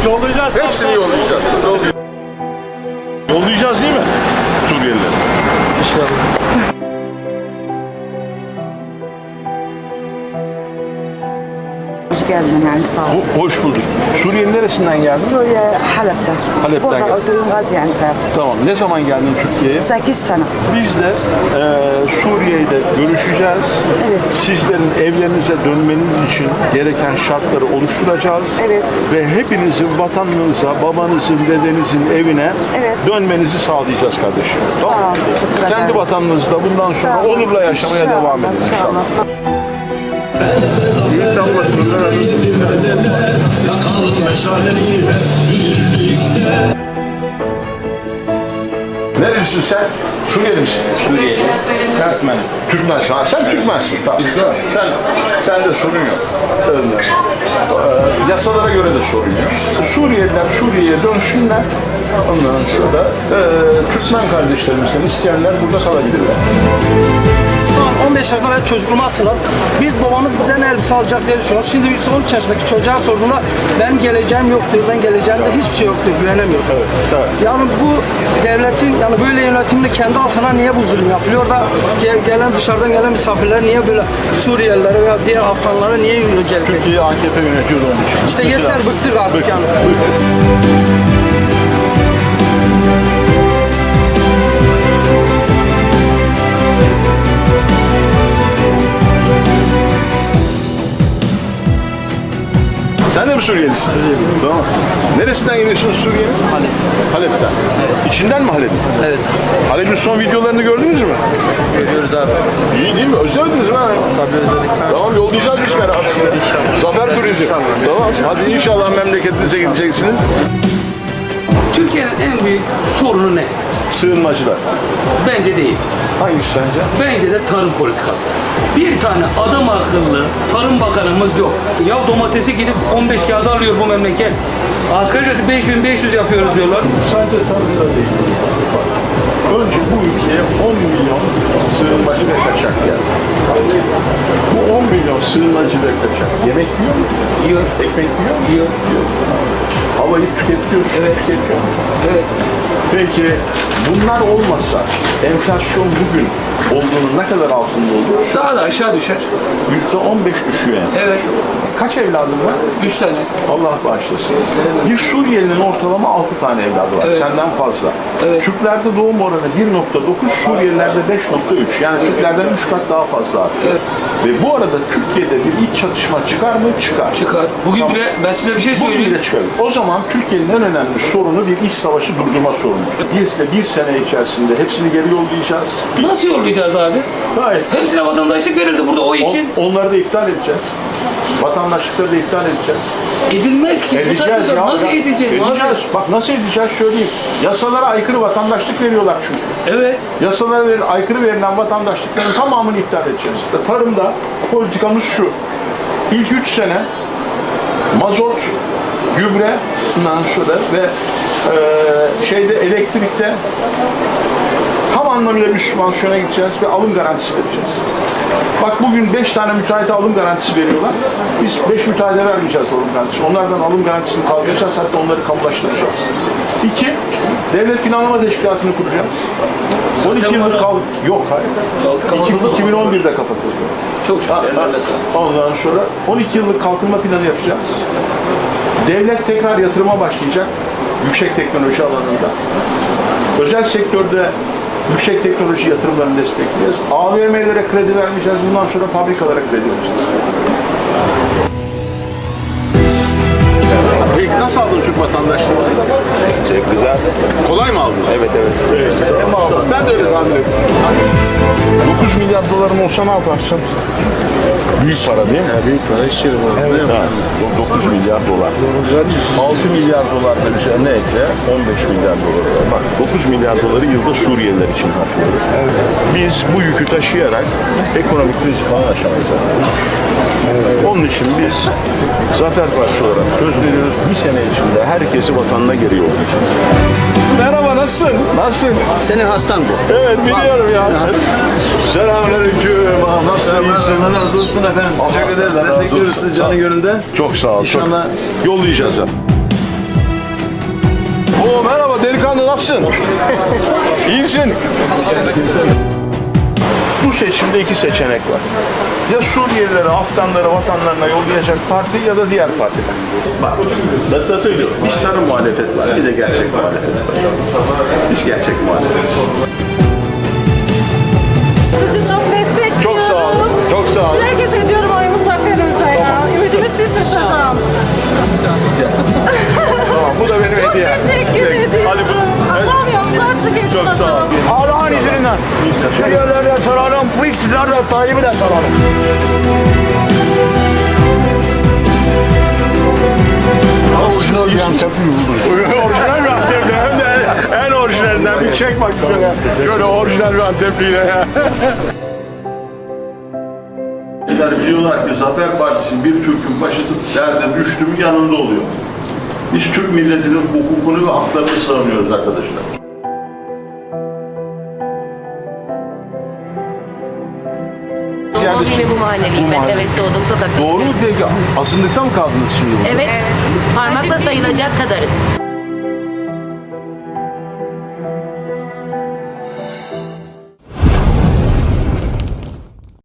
Yollayacağız. Hepsini yollayacağız. Yollayacağız değil mi? Suriyelileri. İnşallah. Hoş geldin yani sağ ol. Hoş bulduk. Suriye'nin neresinden geldin? Suriye Halep'te. Halep'ten Burada geldin. oturuyorum Gaziantep. Tamam. Ne zaman geldin Türkiye'ye? 8 sene. Biz de Suriye'de görüşeceğiz. Evet. Sizlerin evlerinize dönmeniz için gereken şartları oluşturacağız. Evet. Ve hepinizin vatanınıza, babanızın, dedenizin evine Evet. dönmenizi sağlayacağız kardeşim. Sağ ol, teşekkür ederim. Kendi vatanınızda bundan sonra Sağ ol. onurla yaşamaya İnşallah, devam edin inşallah. inşallah. İyi çalmasın. Nerelisin sen? Suriyeli misin? Suriyeli. Türkmen. Türkmensin. Ha, sen Türkmensin. Tamam. Sen de sorun yok. Öyle. Yasalara göre de sorun yok. Suriyeliler Suriye'ye dönsünler. Ondan sonra da Türkmen kardeşlerimizden isteyenler burada kalabilirler. 15 yaşında ben çocukluğumu hatırlar. Biz babamız bize ne elbise alacak diye düşünüyoruz. Şimdi biz 13 yaşındaki çocuğa sorduğunda benim geleceğim yoktur, ben geleceğimde hiçbir şey yoktur, güvenemiyorum. Evet, evet. Yani bu devletin yani böyle yönetimde kendi halkına niye bu zulüm yapılıyor da gelen dışarıdan gelen misafirler niye böyle Suriyelilere veya diğer Afganlara niye öncelik veriyor? Türkiye AKP yönetiyor da onun için. İşte yeter, bıktık artık yani. Sen de mi Suriyelisin? Suriyeliyim. Tamam. Neresinden geliyorsunuz Suriye'nin? Halep. Halep'ten. İçinden mi Halep'in? Evet. Halep'in son videolarını gördünüz mü? Görüyoruz abi. İyi değil mi? Özlemediniz mi? Tabii özledik. Tamam, yollayacağız biz beraber. İnşallah. Zafer Turizm. Tamam. Hadi inşallah memleketinize gideceksiniz. Türkiye'nin en büyük sorunu ne? Sığınmacılar. Bence değil. Hangisi sence? Bence de tarım politikası. Bir tane adam akıllı tarım bakanımız yok. Ya domatesi gidip 15 kağıda alıyor bu memleket. Asgari ücreti 5500 yapıyoruz diyorlar. Sadece tarımda değil. Önce bu ülkeye 10 milyon sığınmacı ve kaçak geldi. Bu 10 milyon sığınmacı ve kaçak yemek yiyor mu? Yiyor. Ekmek yiyor mu? Yiyor. Havayı tüketiyor, su Evet. tüketiyor mu? Evet. Peki bunlar olmasa enflasyon bugün olduğunun ne kadar altında olur? Daha da aşağı düşer. %15 düşüyor enflasyon. Evet. Kaç evladın var? 3 tane. Allah bağışlasın. Bir Suriyelinin ortalama 6 tane evladı var. Evet. Senden fazla. Evet. Türklerde doğum oranı 1.9, Suriyelilerde 5.3. Yani Türklerden 3 kat daha fazla artıyor. Evet. Ve bu arada Türkiye'de bir iç çatışma çıkar mı? Çıkar. Çıkar. Bugün bile ben size bir şey Bugün söyleyeyim. bile çıkar. O zaman Türkiye'nin en önemli sorunu bir iç savaşı durdurma sorunu. Biz de bir sene içerisinde hepsini geri yollayacağız. Nasıl yollayacağız abi? Gayet. Hepsine vatandaşlık verildi burada o için. Onları da iptal edeceğiz. Vatandaşlıkları da iptal edeceğiz. Edilmez ki. Bu Edeceğiz saatte ya. nasıl edeceğiz? Edeceğiz. Bak nasıl edeceğiz söyleyeyim. Yasalara aykırı vatandaşlık veriyorlar çünkü. Evet. Yasalara aykırı verilen vatandaşlıkların tamamını iptal edeceğiz. Tarımda politikamız şu. İlk 3 sene mazot, gübre, bundan sonra ve elektrikte tam anlamıyla bir sübvansiyona gideceğiz ve alım garantisi vereceğiz. Bak bugün 5 tane müteahhite alım garantisi veriyorlar. Biz 5 müteahhite vermeyeceğiz alım garantisi. Onlardan alım garantisini kaldıracağız, hatta onları kamulaştıracağız. 2. Devlet Planlama Teşkilatı'nı kuracağız. 12 yıllık yok hayır. 2011'de kapatıldı. Çok şükür. Ellerine sağlık. Ondan sonra 12 yıllık kalkınma planı yapacağız. Devlet tekrar yatırıma başlayacak. Yüksek teknoloji alanında. Özel sektörde yüksek teknoloji yatırımlarını destekleyeceğiz. AVM'lere kredi vermeyeceğiz. Bundan sonra fabrikalara kredi vereceğiz. Peki nasıl aldın Türk vatandaşlığını? Çok güzel. Kolay mı aldın? Evet. Ben de öyle tahmin ettim. 9 milyar doların olsa ne yaparsın? Büyük para değil mi? Büyük para iş yeri bu. Evet. 9 milyar dolar. 6 milyar dolar da üzerine ekle 15 milyar dolar. Bak 9 milyar doları yılda Suriyeliler için harcıyoruz. Biz bu yükü taşıyarak ekonomik kriz falan aşamayız. Onun için biz Zafer Partisi olarak söz veriyoruz. Bir sene içinde herkesi vatanına geri yollayacağız. Merhaba, nasılsın? Nasılsın? Senin hastan bu. Evet, biliyorum ya. Selamünaleyküm. Nasılsın? İyisin? Allah razı olsun efendim. Teşekkür ederiz. Allah razı Destekliyoruz olsun. sizi canı gönülden. Çok sağ ol. İnşallah Yollayacağız ya. Oo merhaba delikanlı, nasılsın? İyisin. Bu seçimde iki seçenek var. Ya Suriyelileri, Afganları vatanlarına yollayacak parti ya da diğer partiler. Bak, ben sana söylüyorum. Bir sarı muhalefet var, bir de gerçek muhalefet var. Biz gerçek muhalefetiz. Sizi çok destekliyorum. Çok sağ olun, çok sağ olun. Herkes ediyorum oyumu Zafer Hoca'ya. Ümidimiz sizsiniz hocam. Tamam, bu da benim Çok hediyem. teşekkür ediyorum. Hadi Allah'ım yolunuzu açık etsin çok sağ hocam. ol. Allah'ın izniyle Suriyelileri de sorarım, bu iktidar da Tayyip'i de sorarım. Orijinal bir Antepli buldum. Orijinal bir Antepli, hem de en orijinalinden. Bir çek bak şöyle. Şöyle orijinal bir Antepliyle ya. Biliyorlar ki Zafer Partisi bir Türk'ün başı derde düştü mü yanında oluyor. Biz Türk milletinin hukukunu ve haklarını savunuyoruz arkadaşlar. Doğma büyüme bu mahalleliyim ben. Evet, doğdum sokakta. Doğru mu peki? Asınlıkta mı kaldınız şimdi burada? Evet. Parmakla sayılacak kadarız.